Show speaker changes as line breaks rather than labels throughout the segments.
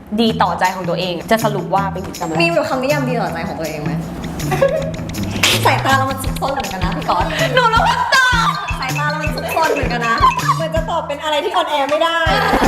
ดีต่อใจของตัวเองจะสรุปว่าเป็นกิจกรรมอะไร
มีแบบคำนิยามดีต่อใจของตัวเองไหม สายตาเรามันซุกซนเหมือนกันนะพี่ก๊อตหนูรู้ว่าตอบสายตาเรามันซุกซนเหมือนกันนะเหมือนจะตอบเป็นอะไรที่ออนแอร์ไม่ได้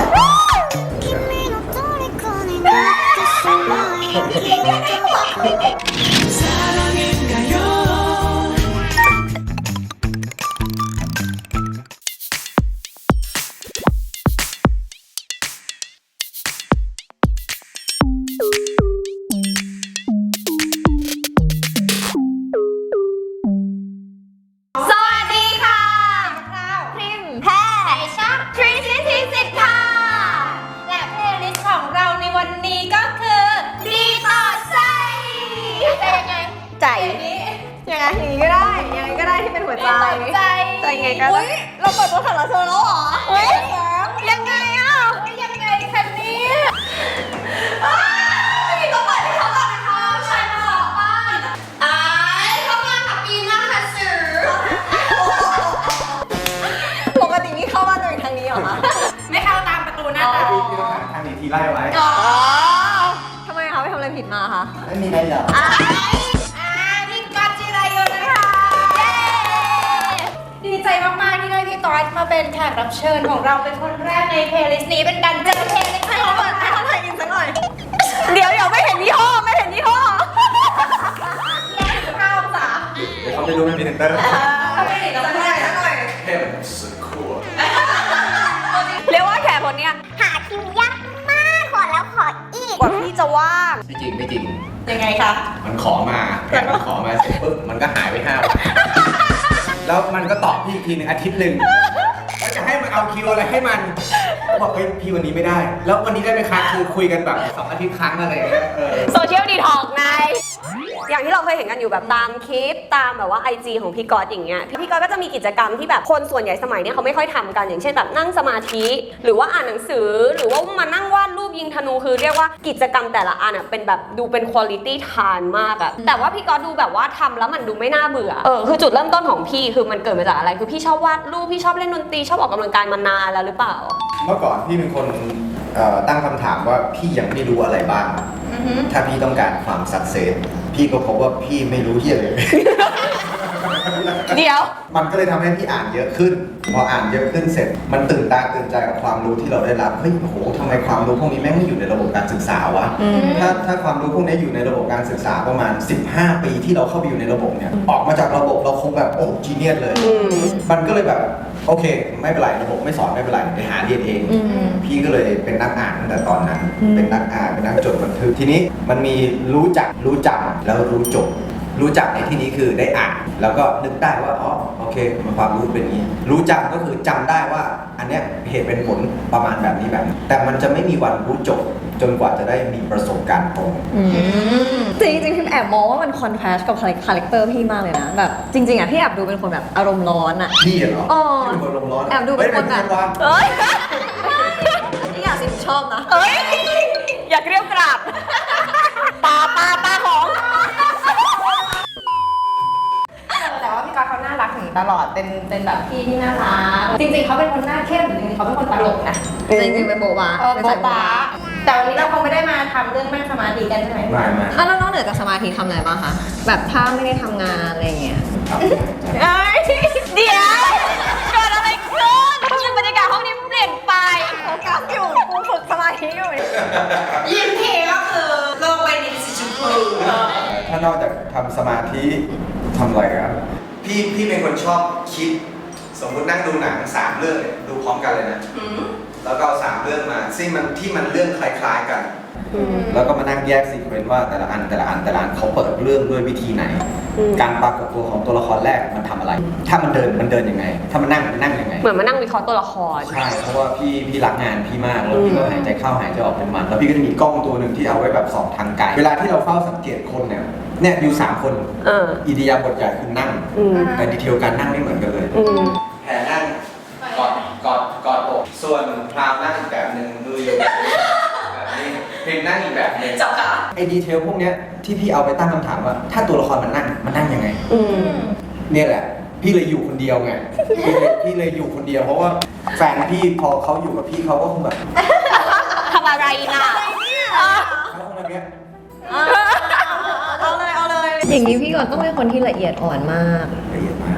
ใจยังไงอย่างนี้ก็ได้ยังไงก็ได้ที่เป็นหัวใจใจไงก็ได้เราเปิดตัวถังละโซแล้วเหรอยังไงอ่ะยังไงคันนี้ต้องเปิดให้เขาก่อนนะคะใช่มาขอป้านเข้ามาค่ะปีหน้าค่ะสื่อปกตินี่เข้าบ้านโดยทางนี้เหรอคะไม่เข้าตามประตูหน้าต่าง
พี่ต้องทางหนีทีไล่ไว้
ทำไมคะไปทำอะไรผิดมาคะ
ไม่มีอะไรหรอก
ดีใจมากๆที่ได้พี่ต๊อดมาเป็นแขกรับเชิญของเราเป็นคนแรกในเพลย์ลิสต์นี้เป็นการเจอเพลย์ลิสต์
ให้เขาเปิดให้เขาถ่ายอินสักหน่อยเดี๋ยวไม่เห็นยี่ห้อไม่เห็นยี่ห้อ
ข้าวจ๋า
เดี๋ยวเขาไม่รู้ไม่มีเซ็นเตอร์
ไม่เห็นแล้วไม่ได้หน่อย
เท่สุดขั้ว
เรียกว่าแขกคนนี้
หาคิวยากมากขอแล้วขออีก
กว่าพี่จะว่าง
ไม่จริงไม่จริง
ยังไงคะ
มันขอมาแพทมันขอมาเสร็จปุ๊บมันก็หายไป5 วันแล้วมันก็ตอบพี่อีกทีหนึ่งอาทิตย์หนึ่งแล้วจะให้มันเอาคิวอะไรให้มันบอกเฮ้ยพี่วันนี้ไม่ได้แล้ววันนี้ได้ไหมคะคือคุยกันแบบ2 อาทิตย์ครั้งอะไรอย่างเงี้ย
โซเชียลดีท็อกไงอย่างที่เราเคยเห็นกันอยู่แบบตามคลิปตามแบบว่า IG ของพี่ก๊อตอย่างเงี้ยพี่ก๊อตก็จะมีกิจกรรมที่แบบคนส่วนใหญ่สมัยเนี้ยเขาไม่ค่อยทำกันอย่างเช่นแบบนั่งสมาธิหรือว่าอ่านหนังสือหรือว่ามานั่งวาดรูปยิงธนูคือเรียกว่ากิจกรรมแต่ละอันอ่ะเป็นแบบดูเป็นคุณภาพทานมากอะแต่ว่าพี่ก๊อตดูแบบว่าทำแล้วมันดูไม่น่าเบื่อคือจุดเริ่มต้นของพี่คือมันเกิดมาจากอะไรคือพี่ชอบวาดรูปพี่ชอบเล่นดนตรีชอบออกกำลังกายมานานแล้วหรือเปล่า
เมื่อก่อนพี่เป็นคนตั้งคำถามว่าพี่ยังไม่รู้อะไรบ้างถ้าพี่ต้องการความสักเซสพี่ก็พบว่าพี่ไม่รู้เหี้ยเลย
เดี๋ยว
มันก็เลยทำให้พี่อ่านเยอะขึ้นพออ่านเยอะขึ้นเสร็จมันตื่นตาตื่นใจกับความรู้ที่เราได้รับเฮ้ยโอ้โหทำไมความรู้พวกนี้แม่งไม่อยู่ในระบบการศึกษาวะถ้าความรู้พวกนี้อยู่ในระบบการศึกษาประมาณ15 ปีที่เราเข้าไปอยู่ในระบบเนี่ยออกมาจากระบบเราคงแบบโอ้จีเนียสเลยมันก็เลยแบบโอเคไม่เป็นไรระบบไม่สอนไม่เป็นไรไปหาเรียนเองพี่ก็เลยเป็นนักอ่านตั้งแต่ตอนนั้นเป็นนักอ่านเป็นนักจดบันทึกทีนี้มันมีรู้จักรู้จำแล้วรู้จบรู้จักในที่นี้คือได้อ่านแล้วก็นึกได้ว่าอ๋อโอเคมันความรู้เป็นอย่างนี้รู้จำก็คือจำได้ว่าอันเนี้ยเหตุเป็นผลประมาณแบบนี้แบบนี้แต่มันจะไม่มีวันรู้จบจนกว่าจะได้มีประสบการณ์ตรง
จริงๆพี่แอบมองว่ามันคอนทราสต์กับคาแรคเตอร์พี่มากเลยนะแบบจริงๆอ่ะพี่แอบดูเป็นคนแบบอารมณ์ร้อนอ่ะ
พี่เหรอพี่เป็นคนอารมณ์ร้อน
แอบดูเป็นคนแบบนี่อยากสิชอบนะอยากเรียกกราบปลาของ
แต่ว่าพี่ก๊อตเขาน่ารักถึงตลอดเป็นแบบพี่ที่น่ารักจริงๆเขาเป็นคนหน้าเข้มจริงๆเขาเป็นคนตลกนะ
จริงๆเป็นโบบา
โบบาแต่วันนี้เราคงไม่ได้มาทำเรื่องนั่งสมาธิกันใช่ไหม
ไม่
แล้วนอกเหนือจากสมาธิทำอะไรบ้างคะแบบถ้าไม่ได้ทำงานอะไรอย่างเงี้ยเดี๋ยวเกิดอะไรขึ้นบรรยากาศห้องนี้เปลี่ยนไปโฟกัสอยู่กูฝึกสมาธิอยู่
ยิ้มทีก็คือลงไปในสีชมพู
ถ้านอกจากทำสมาธิทำอะไรครับพี่เป็นคนชอบคิดสมมตินั่งดูหนัง3 เรื่องดูพร้อมกันเลยนะแล้วก็เอา3 เรื่องมาซึ่งมันที่มันเรื่องคล้ายๆกันแล้วก็มานั่งแยกซีเควนต์ว่าแต่ละอันเขาเปิดเรื่องด้วยวิธีไหนการปรากฏตัวของตัวละครแรกมันทำอะไร ถ้ามันเดินยังไงถ้ามันนั่งยังไง
เหมือนมานั่งวิเคราะห์ตัวละคร
ใช่เพราะว่าพี่รักงานพี่มากแล้วพี่ก็หายใจเข้าหายใจออกเป็นมันแล้วพี่ก็จะมีกล้องตัวหนึ่งที่เอาไว้แบบส่องทางไกลเวลาที่เราเฝ้าสังเกตคนเนี่ยอยู่3 คนอิริยาบถใหญ่คือนั่งแต่ดีเทลการนั่งไม่เหมือนกันเลยแผลนั่งกอดอกส่วนพรามนั่งอีกแบบหนึ่งมืออยู่แบบนี้พิมนั่งอีกแบบหนึ่ง
จับขา
ไอ้ดีเทลพวกเนี้ยที่พี่เอาไปตั้งคำถามว่าถ้าตัวละครมันนั่งยังไงเนี่ยแหละพี่เลยอยู่คนเดียวไงพี่เลยอยู่คนเดียวเพราะว่าแฟนพี่พอเขาอยู่กับพี่เขาก็คงแบบ
ทำอะไรนะ
อย่างนี้พี่ก่อนต้องเป็นคนที่ละเอียดอ่อนมาก
ละเอียดมาก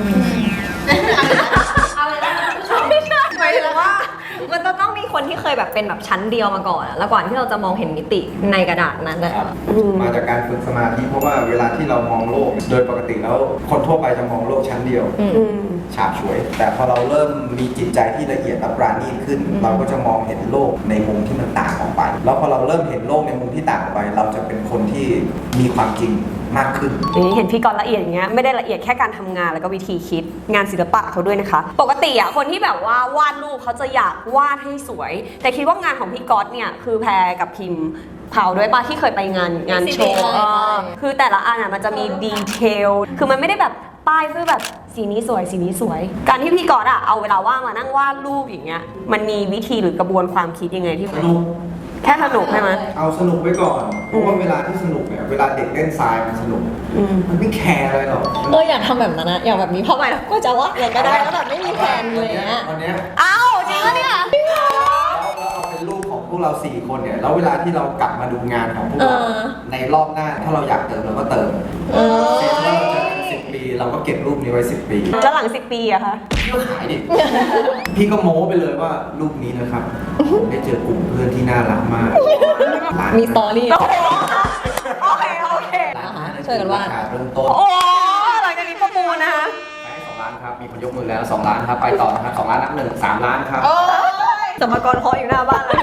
อะไรนะผู้ชม
หมายถึงว่ามันต้องมีคนที่เคยแบบเป็นแบบชั้นเดียวมาก่อนอะแล้วก่อนที่เราจะมองเห็นมิติในกระดาษนั้นอะ
ครับมาจากการฝึกสมาธิเพราะว่าเวลาที่เรามองโลกโดยปกติแล้วคนทั่วไปจะมองโลกชั้นเดียวฉาบฉวย แต่พอเราเริ่มมีจิตใจที่ละเอียดและปราณีตขึ้น เราก็จะมองเห็นโลกในมุมที่มันต่างออกไป แล้วพอเราเริ่มเห็นโลกในมุมที่ต่างออกไป เราจะเป็นคนที่มีความจริงมากขึ้น
อย่างนี้เห็นพี่กรณ์ละเอียดอย่างเงี้ยไม่ได้ละเอียดแค่การทำงานแล้วก็วิธีคิดงานศิลปะเขาด้วยนะคะ ปกติอะคนที่แบบว่าวาดรูปเขาจะอยากวาดให้สวย แต่คิดว่างานของพี่กรณ์เนี่ยคือแพรกับพิมพ์เผาด้วยปะที่เคยไปงานโชว์คือแต่ละอันอะมันจะมีดีเทลคือมันไม่ได้แบบป้ายเพื่อแบบสีนี้สวยสีนี้สวย การที่พี่กรณ์อะเอาเวลาว่างมานั่งวาดรูปอย่างเงี้ยมันมีวิธีหรือกระบวนความคิดยังไงที่
สนุก
แค่สนุกใช่ไหม
เอาสนุกไว้ก่อน เพราะว่าเวลาที่สนุกเนี่ย เวลาเด็กเล่นทรายมันสนุก มันไม่แคร์อะไรหรอก
อยากทำแบบนั้นนะอยากแบบนี้เพราะไม่แล้วก็จะว่าอะไรก็ได้แล้วแบบไม่มีแผนเลยอะ
วันเนี้ย
อ้าวจริงปะเนี่ย
แล้วเอาเป็นรูปของพวกเรา4คนเนี่ย แล้วเวลาที่เรากลับมาดูงานของพวกเราในรอบหน้า ถ้าเราอยากเติมเราก็เติมเช่นว่าเราเจอกัน10 ปีเราก็เก็บรูปนี้ไว้10 ปี
แล้วหลัง10 ปีอะคะ
พี่ก็ขายดิ พี่ก็โม้ไปเลยว่ารูปนี้นะครับผมได้เจอกลุ่มเพื่อนที่น่ารักมาก
มีสตอรี่
โอเคโอเค
ช่วยกันวาด
ราคาเริ่มต้น
โอ้หลังจากนี้ประมูลนะคะ
ไปให้2 ล้านครับ มีคนยกมือแล้ว2 ล้านครับ ไปต่อนะครับ2 ล้านนับ1 3 ล้านครับ
สมกรเคาะอยู่หน้าบ้านเลย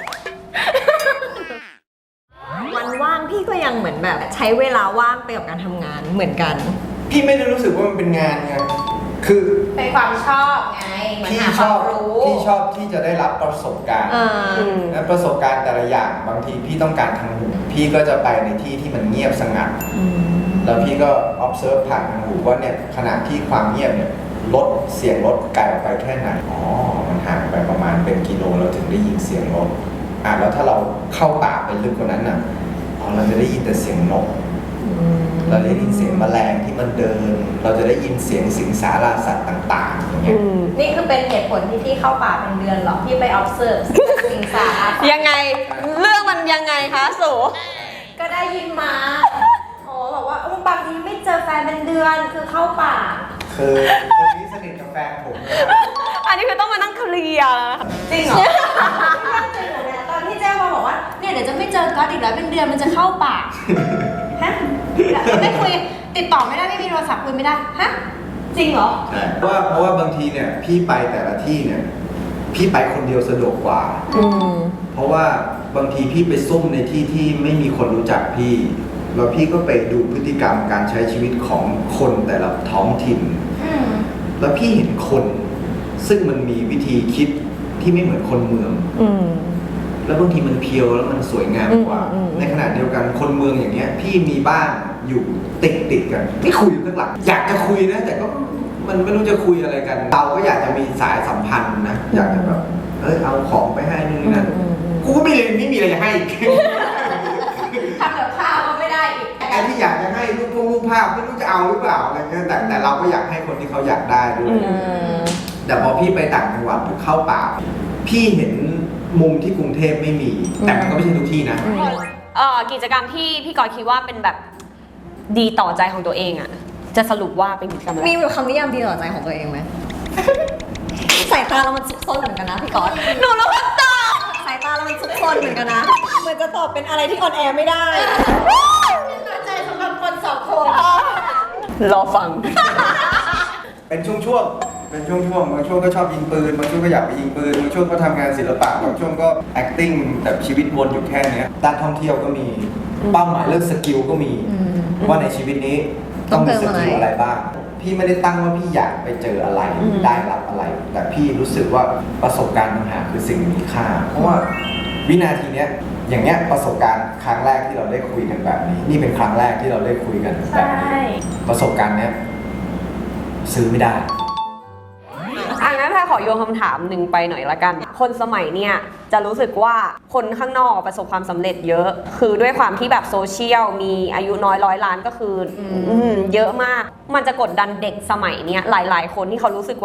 วันว่างพี่ก็ยังเหมือนแบบใช้เวลาว่างไปกับการทำงานเหมือนกัน
พี่ไม่ได้รู้สึกว่ามันเป็นงานไง คือ
เป็นความชอบไงเหมือน
พี่
หา
ช
ควา
อ
ม
บ
รู้
พี่ชอบที่จะได้รับประสบการณ์ และประสบการณ์แต่ละอย่างบางทีพี่ต้องการทางหู พี่ก็จะไปในที่ที่มันเงียบสงัด แล้วพี่ก็ observe ผ่านทางหูว่าเนี่ยขณะที่ความเงียบเนี่ยลดเสียงรถไกลออกไปแค่ไหน อ๋อ มันห่างไปประมาณเป็นกิโลเราถึงได้ยินเสียงรถแล้วถ้าเราเข้าป่าไปลึกกว่านั้นน่ะเราจะได้ยินแต่เสียงนก เราได้ยินเสียงแมลงที่มันเดิน เราจะได้ยินเสียงสิงสาราสัตว์ต่างๆอย่างเงี้ย
นี่คือเป็นเหตุผลที่พี่เข้าป่าเป็นเดือนหรอพี่ไป observe สิงสารา
ยังไงเรื่องมันยังไงคะสู
ก็ได้ยินมาโอ้บอกว่าบางทีไม่เจอแฟนเป็นเดือนคือเข้าป่า
คือคนนี้สนิทกับแฟนผมเลย
อันนี้คือต้องมานั่งเคลียร์แล้วนะคะจริงเหรอ
ตอนที่แจ้งมาบอกว่าเนี่ยเดี๋ยวจะไม่เจอก๊อตอีกแล้วเป็นเดือนมันจะเข้าป่าฮะไม่คุยติดต่อไม่ได้ไม่มีโทรศัพท์คุยไม่ได้ฮะจริงเหรอ
ใช่เพราะว่าบางทีเนี่ยพี่ไปแต่ละที่เนี่ยพี่ไปคนเดียวสะดวกกว่า เพราะว่าบางทีพี่ไปซุ่มในที่ที่ไม่มีคนรู้จักพี่แล้วพี่ก็ไปดูพฤติกรรมการใช้ชีวิตของคนแต่ละท้องถิ่น แล้วพี่เห็นคนซึ่งมันมีวิธีคิดที่ไม่เหมือนคนเมือง แล้วบางทีมันเพียวแล้วมันสวยงามกว่า ในขณะเดียวกันคนเมืองอย่างเงี้ยพี่มีบ้านอยู่ติดกันพี่คุยอยู่ข้างหลังอยากจะคุยนะแต่ก็มันไม่รู้จะคุยอะไรกัน เราก็อยากจะมีสายสัมพันธ์นะอยากจะแบบเอาของไปให้นู่นนี่นั่นกูก็ไม่มีอะไรจะให้อีก
ทำกับข้าวก็ไม่ได้อีก
ไอ้ที่อยากจะให้รูปภาพไม่รู้จะเอาหรือเปล่าอะไรเงี้ยแต่เราก็อยากให้คนที่เขาอยากได้ด้วยแต่พอพี่ไปต่างจังหวัดหรือเข้าป่าพี่เห็นมุมที่กรุงเทพไม่มี แต่มันก็ไม่ใช่ทุกที่นะ
กิจกรรมที่พี่กรณ์คิดว่าเป็นแบบดีต่อใจของตัวเองอะจะสรุปว่าเป็นกิจกรรมอะไร
มีแบบคำนิยามดีต่อใจของตัวเองไหม สายตาเรามันซุกซนเหมือนกันนะพี่ก๊อต
หนูรู้คำตอบ
สายตาเรามันซุกซนเหมือนกันนะเหมือนจะตอบเป็นอะไรที่ออนแอร์ไม่ได้
ต่อใจสำหรับคนสองคน
รอฟัง
เป็นช่วงๆบางช่วงก็ชอบยิงปืนบางช่วงก็อยากไปยิงปืนบางช่วงก็ทำงานศิลปะบางช่วงก็ acting แต่ชีวิตวนอยู่แค่เนี้ยด้านท่องเที่ยวก็มีเป้าหมายเรื่องสกิลก็มีว่าในชีวิตนี้ต้องมีสกิลอะไรบ้างพี่ไม่ได้ตั้งว่าพี่อยากไปเจออะไรได้รับอะไร แต่พี่รู้สึกว่าประสบการณ์ต่างหากคือสิ่งมีค่า เพราะว่าวินาทีเนี้ยอย่างเงี้ยประสบการณ์ครั้งแรกที่เราได้คุยกันแบบนี้ นี่เป็นครั้งแรกที่เราได้คุยกันแบบนี้ประสบการณ์เนี้ยซื้อไม่ได้
งั้นแพรขอโยนคำถามหนึ่งไปหน่อยละกัน คนสมัยเนี่ยจะรู้สึกว่าคนข้างนอกประสบความสำเร็จเยอะ คือด้วยความที่แบบโซเชียลมีอายุน้อย100 ล้านก็คือเยอะมาก มันจะกดดันเด็กสมัยเนี้ยหลายๆ คนที่เขารู้สึกว่า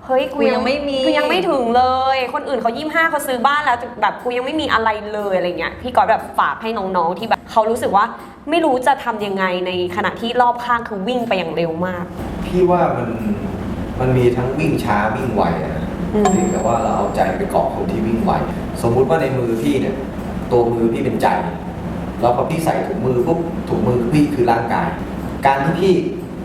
เฮ้ยกู
กูยังไม่มี
กูยังไม่ถึงเลย คนอื่นเขา25เขาซื้อบ้านแล้วแบบกูยังไม่มีอะไรเลยอะไรเงี้ยพี่ก๊อตแบบฝากให้น้องๆที่แบบเขารู้สึกว่าไม่รู้จะทำยังไงในขณะที่รอบข้างคือวิ่งไปอย่างเร็วมาก
พี่ว่ามันมีทั้งวิ่งช้าวิ่งไวอะนะเพียงแต่ว่าเราเอาใจไปเกาะคนที่วิ่งไวสมมุติว่าในมือพี่เนี่ยตัวมือพี่เป็นใจแล้วพอพี่ใส่ถุงมือปุ๊บถุงมือพี่คือร่างกาย การที่พี่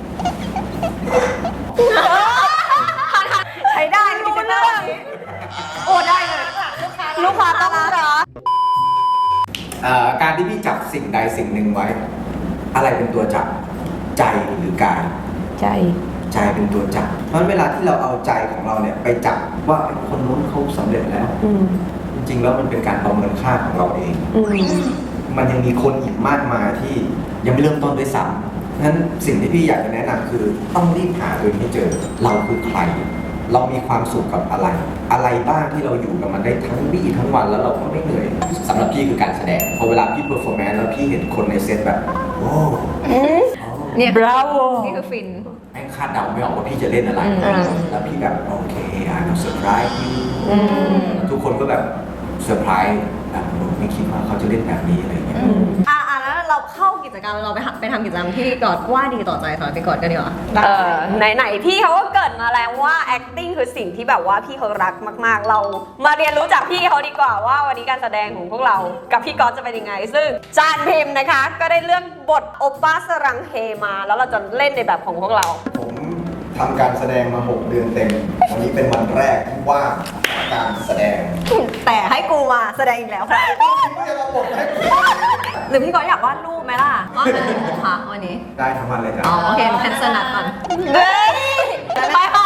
ใช้ได้รู้เรื่องโอ้ได้เลยลูกค้าต้องรัก
การที่พี่จับสิ่งใดสิ่งหนึ่งไว้ อะไรเป็นตัวจับใจหรือกาย
ใจ
ใจเป็นตัวจับเพราะฉะนั้นเวลาที่เราเอาใจของเราเนี่ยไปจับว่าคนนู้นเขาสำเร็จแล้ว
อืม
จริงๆแล้วมันเป็นการประเมินค่าของเราเอง
อืม
มันยังมีคนอีกมากมายที่ยังไม่เริ่มต้นด้วยซ้ำนั้นสิ่งที่พี่อยากจะแนะนำคือต้องรีบหาตัวเองให้เจอ เราคือใคร เรามีความสุขกับอะไร อะไรบ้างที่เราอยู่กับมันได้ทั้งวี่ทั้งวันแล้วเราก็ไม่เหนื่อยสำหรับพี่คือการแสดงพอเวลาพี่เพอร์ฟอร์แมนซ์แล้วพี่เห็นคนในเซตแบบโอ้
เนี่ย
bravo
นี่คือฟิน
แม่งคาดเดาไม่ออกว่าพี่จะเล่นอะไร แล้วพี่แบบโอเคเซอร์ไพรส์ทุกคนก็แบบเซอร์ไพรส์แบบไม่คิดว่าเขาจะเล่นแบบนี้อะไรอย่างเงี้ย
แล้วเราเข้ากิจกรรมเราไปทำกิจกรรมที่พี่กอดว่าดีต่อใจสำหรับพี่กอดกันดีกว่า
ไหนๆพี่เขาก็เกริดมาแล้วว่า acting คือสิ่งที่แบบว่าพี่เขารักมากๆ เรามาเรียนรู้จากพี่เขาดีกว่าว่าวันนี้การแสดงของพวกเรากับพี่ก๊อตจะเป็นยังไง ซึ่งจานพิมพ์นะคะ ก็ได้เลือกบทโอป้าสรังเฮมาแล้วเราจะเล่นในแบบของพวกเรา
ผมทำการแสดงมา 6 เดือนเต็ม วันนี้เป็นวันแรกที่ว่างการแสดง
แต่ให้กูมาแสดงอีกแล้วค่ะ
ไม่จะมาบทให้ผม
หรือพี่กอดอยากวาดรูปไหมล่ะวาดอะไรคะวันนี้
ได้ทั้งวันเลยจ้ะ
อ๋อโอเคแคนเซิลนัดก่อน
เฮ้ยไปค่ะ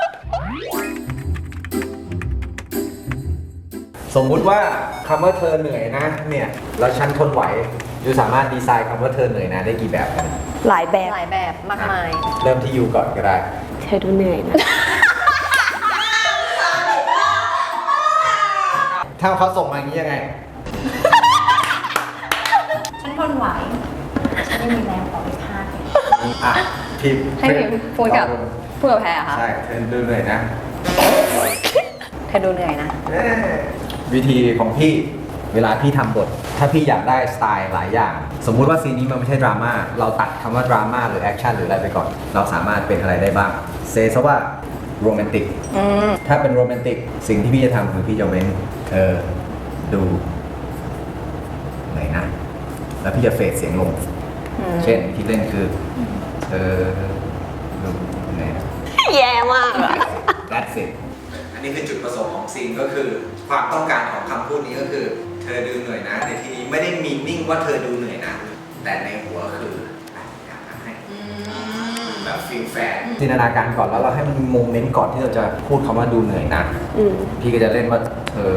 สมมุติว่าคำว่าเธอเหนื่อยนะเนี่ยแล้วฉันทนไหวยูสามารถดีไซน์คำว่าเธอเหนื่อยนะได้กี่แบบกัน
หลายแบบ
หลายแบบมากมาย
เริ่มที่ยูก่อนก็ได้
เธอดูเหนื่อยนะ
ถ้าเขาส่งมาอย่างนี้ยังไง
ฉันทนไหว ฉันไม่มีแรงต่อไปพาด
อ่ะพิมพ์
ให้พิมพ์พูดกับแพรค่ะ
ใช่เธอดูเหนื่อยนะ
เธอดูเหนื่อยนะ
วิธีของพี่เวลาพี่ทำบท ถ้าพี่อยากได้สไตล์หลายอย่าง สมมุติว่าซีนนี้มันไม่ใช่ดราม่าเราตัดคำว่าดราม่าหรือแอคชั่นหรืออะไรไปก่อน เราสามารถเป็นอะไรได้บ้างเซซะว่าโรแมนติกถ้าเป็นโรแมนติกสิ่งที่พี่จะทำคือพี่จะเว้นดูไหนนะ แล้วพี่จะเฟดเสียงลง เช่นที่เล่นคือดูไหนนะ
แย่มากอะ
That's it อันนี้คือจุดประสงค์ของซีนก็คือความต้องการของคำพูดนี้ก็คือ เธอดูเหนื่อยนะในที่นี้ไม่ได้มีนิ่งว่าเธอดูเหนื่อยนะ แต่ในหัวคืออยากทำให้แบบฟีลแฟนจินตนาการก่อนแล้วเราให้มันมีโมเมนต์ก่อนที่เราจะพูดคำว่าดูเหนื่อยนะ พี่ก็จะเล่นว่าเธอ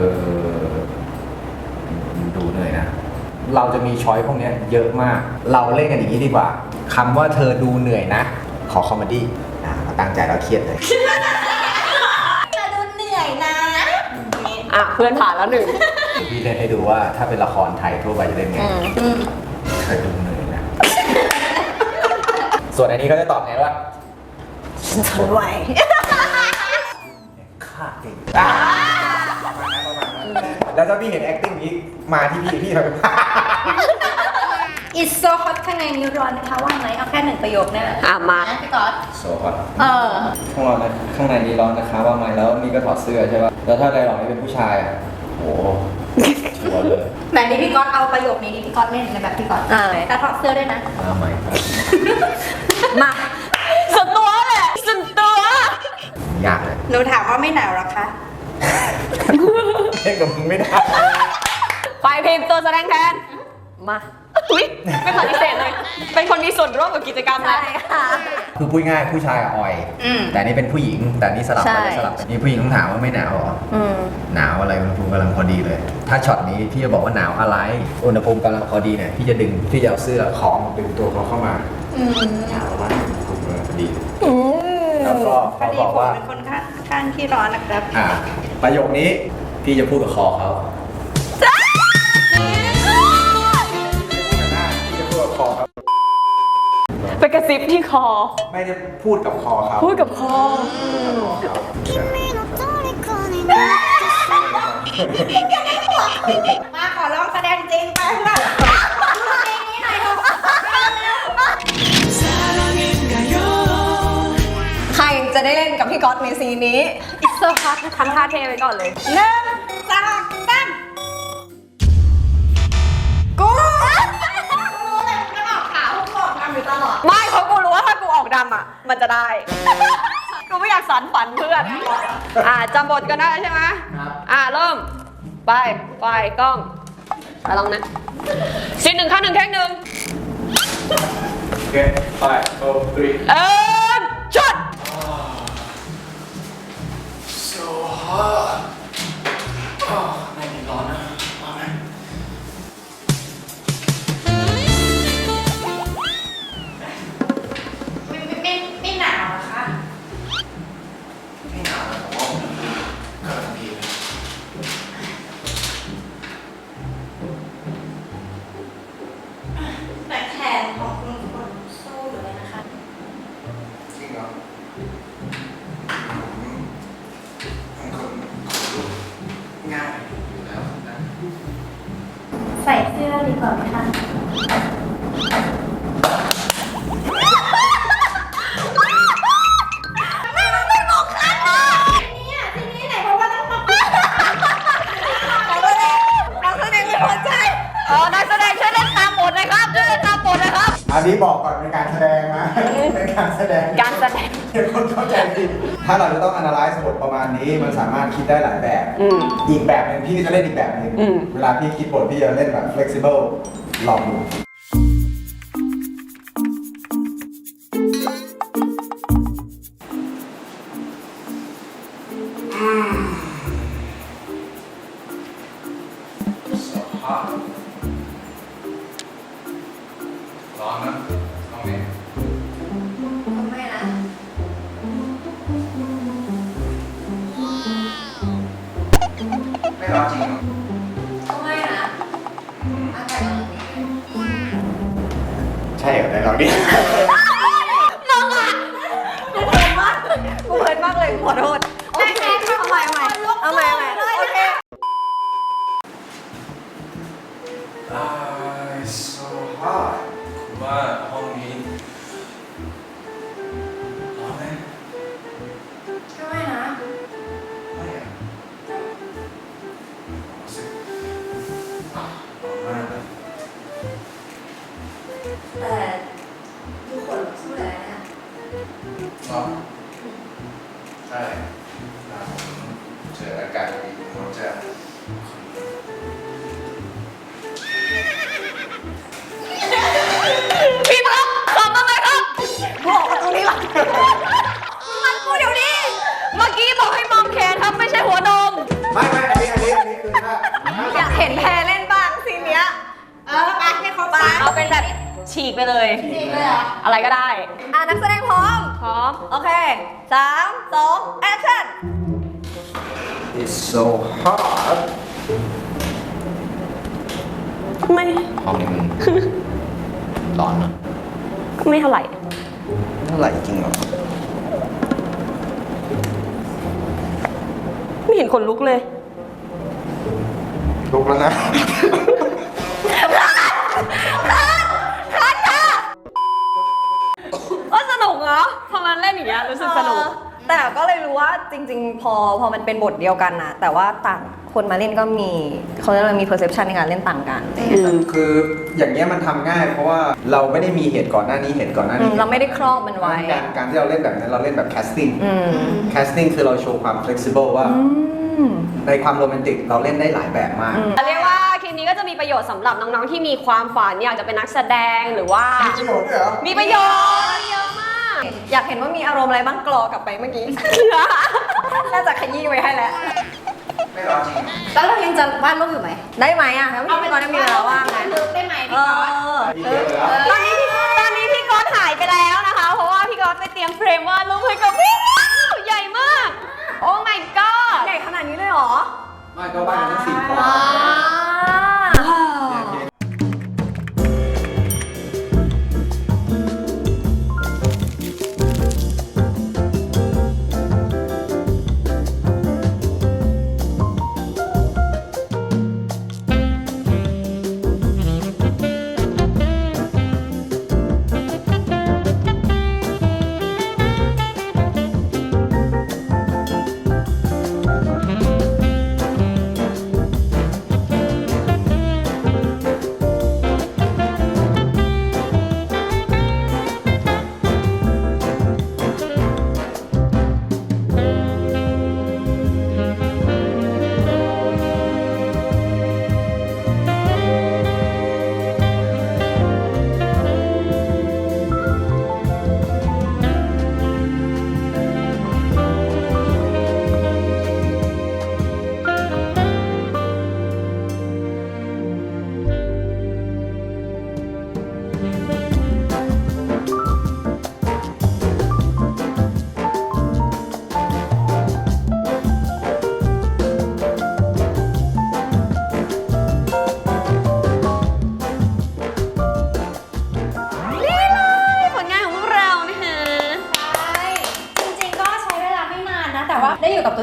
ดูเหนื่อยนะ เราจะมีช้อยพวกเนี้ยเยอะมาก เราเล่นกันอย่างนี้ดีกว่าคำว่าเธอดูเหนื่อยนะ ขอคอมเมดี้เราตั้งใจเราเครียดเลย
เธอดูเหนื่อยนะ
อ่ะเพื่อนผ่านแล้วหนึ่ง
พี่เล่นให้ดูว่าถ้าเป็นละครไทยทั่วไปจะเล่นไงเคยดูเลยนะ ส่วนอันนี้ก็จะตอบไงว่า
ทนไหว
ฆ่าเก่งแล้วถ้าพี่เห็น acting นี้มาที่พี่ทำเป็น
It's so hot ข้างในนี้ร้อนนะคะว่างไหมเอาแค่หนึ่งประโยคเนี่ย
อ่ะมา
นะพี่ก๊อต
โซ่ครับ
ข้างเรานะข้างในนี้ร้อนนะคะว่าไหมแล้วนี่ก็ถอดเสื้อใช่ป่ะแล้วถ้าไดร์ล็อกนี่เป็นผู้ชายอ่ะโหชัวร์เลย
ไหนนี่พี่ก๊อตเอาประโยคนี้ดิพี่ก๊อตเล่นในแบบพี่ก๊อตแต่ถอดเสื้อด้วยนะ
มาใหม่ครับ
มา
สุดตัวแหละสุดตัวย
ากเลย
หนูถามว่าไม่หนาวหรอคะ
เล่นกับมึงไม่ได้
ไปพิมพ์ตัวแสดงแทน
มา
อุ๊ยไม่ปฏิเสธเลย เป็นคนมีส่วนร่วมกับกิจกรรมนะ
คือพูดง่ายผู้ชายอ่อย แต่อันนี่เป็นผู้หญิง แต่อันนี่สลับไป
ใช่
สลับไปนี่ผู้หญิงต้องถามว่าไม่หนาวเหรอ หนาวอะไรอุณหภูมิกำลังพอดีเลย ถ้าช็อตนี้พี่จะบอกว่าหนาวอะไร อุณหภูมิกำลังพอดีเนี่ยพี่จะดึงพี่จะเอาเสื้อของดึงตัวเขาเข้ามาหนาวมากอุณหภูมิกำลังพอดีแล้วก็เขาบอกว่า
เป็นคนข้างที่ร้อนนะครับ
ประโยคนี้พี่จะพูดกับคอเขาพี่จะพูดกับคอเขา
ไปกระซิ
ซิบที่คอ
ไม่ได้พูดกับคอเขา
พูดกับคอ
มาขอลองแสดงจริงไปเพื่อนเพลงนี้หน่อยเถอะ
ใครจะได้เล่นกับพี่ก๊อตในซีนนี้
It's so hard ทำท่าเท่ไว้ก่อนเลย
1 2 3กูรู้เลยมันออกขาวทุกคนทำอยู่ตลอด
ไม่เพราะกูรู้ว่าถ้ากูออกดำอ่ะ มันจะได้ กูไม่อยากสานฝันเพื่อน จำบทกันได้ใช่ไหมเริ่ม ไปกล้องไปลองนะซีนหนึ่งข้างหนึ่งแค่หนึ่ง
โอเคไปโอ้ตรี
ช็อต
so hot ไม่มีร้อนนะมาไหม
ไม่หนาวนะคะ
ไม่หนาวนะผมว่ามันกำลังดีเลย
แต่แขนของคุณคนสู้อยู่เลยนะคะ
จริงเหรอผมเป็นคนลุกง่ายอยู่แล้วนะ
ใส่เสื้อดีกว่าไหมคะทีนี้ไหนบอกว่าต้องมา
นักแสดงไม่พอใจนักแสดงช่วยเล่นตามบทเลยครับช่วยเล่นตามบทเลยครับ
อันนี้บอกก่อนเป็นการแสดงนะ เป็นการแสดง
การแสดง
เดี๋ยวคนเข้าใจผิดถ้าเราจะต้อง analyze บทประมาณนี้ มันสามารถคิดได้หลายแบบ อีกแบบหนึงพี่ก็จะเล่นอีกแบบหนึง เวลาพี่คิดบทพี่จะเล่นแบบ flexible ลองดู So hot ร้อนนะตรงนี้
ไม่นะ
ไม่ร้อนจริงเหรอ
ก็ไม่นะอากาศมันดี
ใช่เหรอในเราดิ
กูเพลินมากเลยขอโทษโอเคเอาใหม่โอเค
so hot คุณว่าห้องนี้ร้อนไหม
ก็ไม่นะ
ไม่อะรู้สึกร้อนมากเลย
แต่ทุกคนสู้เลยนะ
ร้อนใช่ถ้าผมเจออากาศดีผมจะ
พี่ท็อปขำอะไรครับบอกมาตรงนี้ละมันพูดเดี๋ยวนี้ เมื่อกี้บอกให้มองแขนครับไม่ใช่หัวนม
ไม่อันนี้คือถ้า
อยากเห็นแพรเล่นบ้างซีนเนี้ย
ไปให้เขาไป
เอาเป็นแบบฉีกไปเลย
จริงเลยเหรอ
อะไรก็ได้
นักแสดงพร้อม
พร้อม
โอเค 3 2 action
It's so hot
ไม่
ห้องนี้มันร้อนนะ
ไม่เท่าไหร่
เท่าไหร่จริงเหรอ
ไม่เห็นขนลุกเลย
ลุกแล้วนะ
ว่าสนุกเหรอพอมันเล่นอย่างเงี้ยรู้สึกสนุก
แต่ก็เลยรู้ว่าจริงๆ พอมันเป็นบทเดียวกันนะแต่ว่าต่างคนมาเล่นก็มีเขาเรียกว่ามี perception ในการเล่นต่างกันอะไรอย่างเงี้ย
คืออย่างเงี้ยมันทำง่ายเพราะว่าเราไม่ได้มีเหตุก่อนหน้านี้เหตุก่อนหน้านี้
เราไม่ได้ครอบมันไว้
การที่เราเล่นแบบนั้นเราเล่นแบบ casting
อืม
casting คือเราโชว์ความ flexible ว่า ในความโรแมนติกเราเล่นได้หลายแบบมาก
เรียกว่าคลิปนี้ก็จะมีประโยชน์สำหรับน้องๆที่มีความฝันอยากจะเป็นนักแสดงหรือว่า
มีประโยชน์ด้วยเหรอ
มีประโยชน์เยอะมาก
อยากเห็นว่ามีอารมณ์อะไรบ้างกรอกลับไปเมื่อกี้ น่าจะขยี้ไว้ให้แล้ว
ไม่ร้อนจริง
แล้วเรายังจะวาดรูปอยู่ไหม
ได้ไหมอ่ะแล้วพี่กรณ์มีเวลาว่างไง
ได้ไหม
เอ
พี่ก๊อต
อ
มีเยอะเลย
ตอนนี้พี่ก๊อตหายไปแล้วนะคะ เพราะว่าพี่ก๊อตไปเตรียมเฟรมวาดรูปให้กับพี่ใหญ่มาก โอ้ my god
ใหญ่ขนาดนี้เลยเหรอ
ไม่ก็บ้านทั้ง4 คน
ว้าว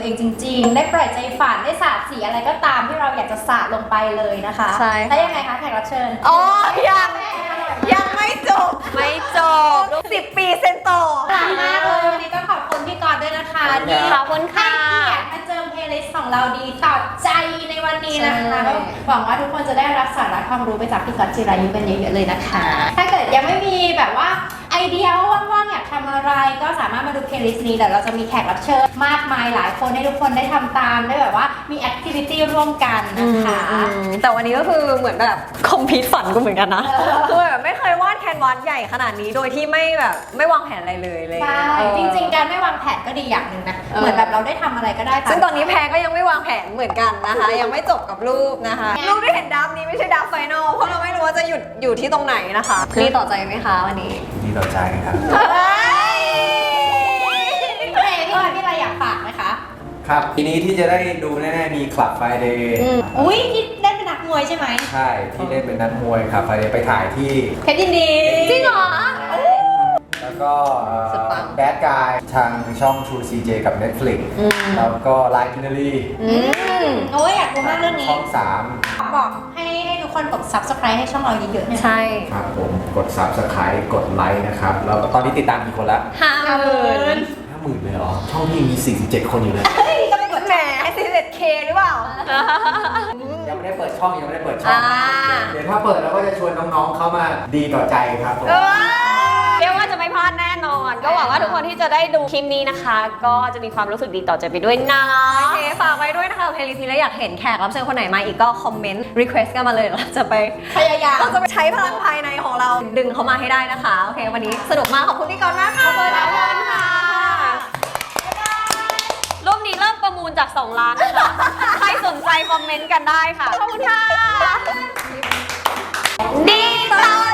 องจริง ๆ ได้ปล่อยใจฝันได้สาดสีอะไรก็ตามที่เราอยากจะสาดลงไปเลยนะคะ
ใช่
แล้วยังไงคะแขกรับเชิญ
อ๋อยังไม่จบ
ไม่จบ
10 ปีเซนโต
ขอบคุณมากเลยวันนี้ก็ขอบคุณพี่กรณ์ด้วยนะคะที่
ขอบคุณค่ะ
ให้เกียรติมาเจิมเพลย์ลิสต์ของเราดีตอบใจในวันนี้นะคะก็หวังว่าทุกคนจะได้รับสาระความรู้ไปจากพี่กรณ์จิรายุกันเยอะๆเลยนะคะ ถ้าเกิดยังไม่มีแบบว่าไอเดียว่าว่างๆอยากทำอะไรก็สามารถมาดูเพลย์ลิสต์นี้เดี๋ยวเราจะมีแขกรับเชิญมากมายหลายคนให้ทุกคนได้ทำตามได้แบบว่ามีแอคทิวิตี้ร่วมกันนะคะ
แต่วันนี้ก็คือเหมือนแบบคอมพิวฝันกูเหมือนกันนะคือแบบไม่เคยวาดแคนวาสใหญ่ขนาดนี้โดยที่ไม่แบบไม่วางแผนอะไรเลยเลย
ใช่จริงๆการไม่วางแผนก็ดีอย่างหนึ่งนะเหมือนแบบเราได้ทำอะไรก็ได้าม
ซึ่งตอนนี้แพรก็ยังไม่วางแผนเหมือนกันนะคะ ยังไม่จบกับรูปนะคะ รูปที่เห็นดับนี้ไม่ใช่ดับไฟนอลเพราะเราไม่รู้ว่าจะหยุดอยู่ที่ตรงไหนนะคะดีต่อใจไหมคะวันนี้
ดีต่อใจครับ
พี่เรย์พี่กรณ์พี่อะไรอยากฝากไหมคะ
ครับทีนี้ที่จะได้ดูแน่ๆมี Club Friday
อุ้ยที่เล่นเป็นนักมวยใช่ไหม
ใช่ที่เล่นเป็นนักมวยครับ Friday ไปถ่ายที่
เพชรยินดี
จริงเหรอ
แล้วก็
สุดปัง
แบดกายทางช่อง True CJ กับ Netflix แล้วก็ Line Finale
โอ้ยอยากดูมากเรื่องนี้
ช่อง
บอกให้ทุกคนกด subscribe ให้ช่องเราเยอะๆเนี่ย
ใช่
3 ครับผมกด Subscribe กดไลค์นะครับ แล้วตอนนี้ติดตามกี่คนละ
50,000
50,000เลยเหรอ ช่องพี่มี 47 คนอยู่เลย
แหมให้ 11K หรือเปล่า
ยังไม่ได้เปิดช่องยังไม่ได้เปิดช่อง
อ่า
เดี๋ยวถ้าเปิดเราก็จะชวนน้องๆเข้ามาดีต่อใจครับผม
เรียกว่าจะไม่พลาดแน่นอน ก็หวังว่าทุกคนที่จะได้ดูคลิปนี้นะคะ ก็จะมีความรู้สึกดีต่อใจไปด้วยนะ
โอเคฝากไว้ด้วยนะคะเพลย์ลิสต์นี้แล้วอยากเห็นแขกรับเชิญคนไหนมาอีกก็คอมเมนต์ request กันมาเลยเราจะไป
พยายาม
เราจะไปใช้พลังภายในของเราดึงเขามาให้ได้นะคะ โอเค วันนี้สนุกมาก ขอบคุณพี่กรณ์มากค่ะ
ขอบคุณค่ะรูปนี้เริ่มประมูลจาก 2 ล้านนะคะ ใครสนใจคอมเมนต์กันได้ค่ะ ขอบคุณค่ะ ดีต่อ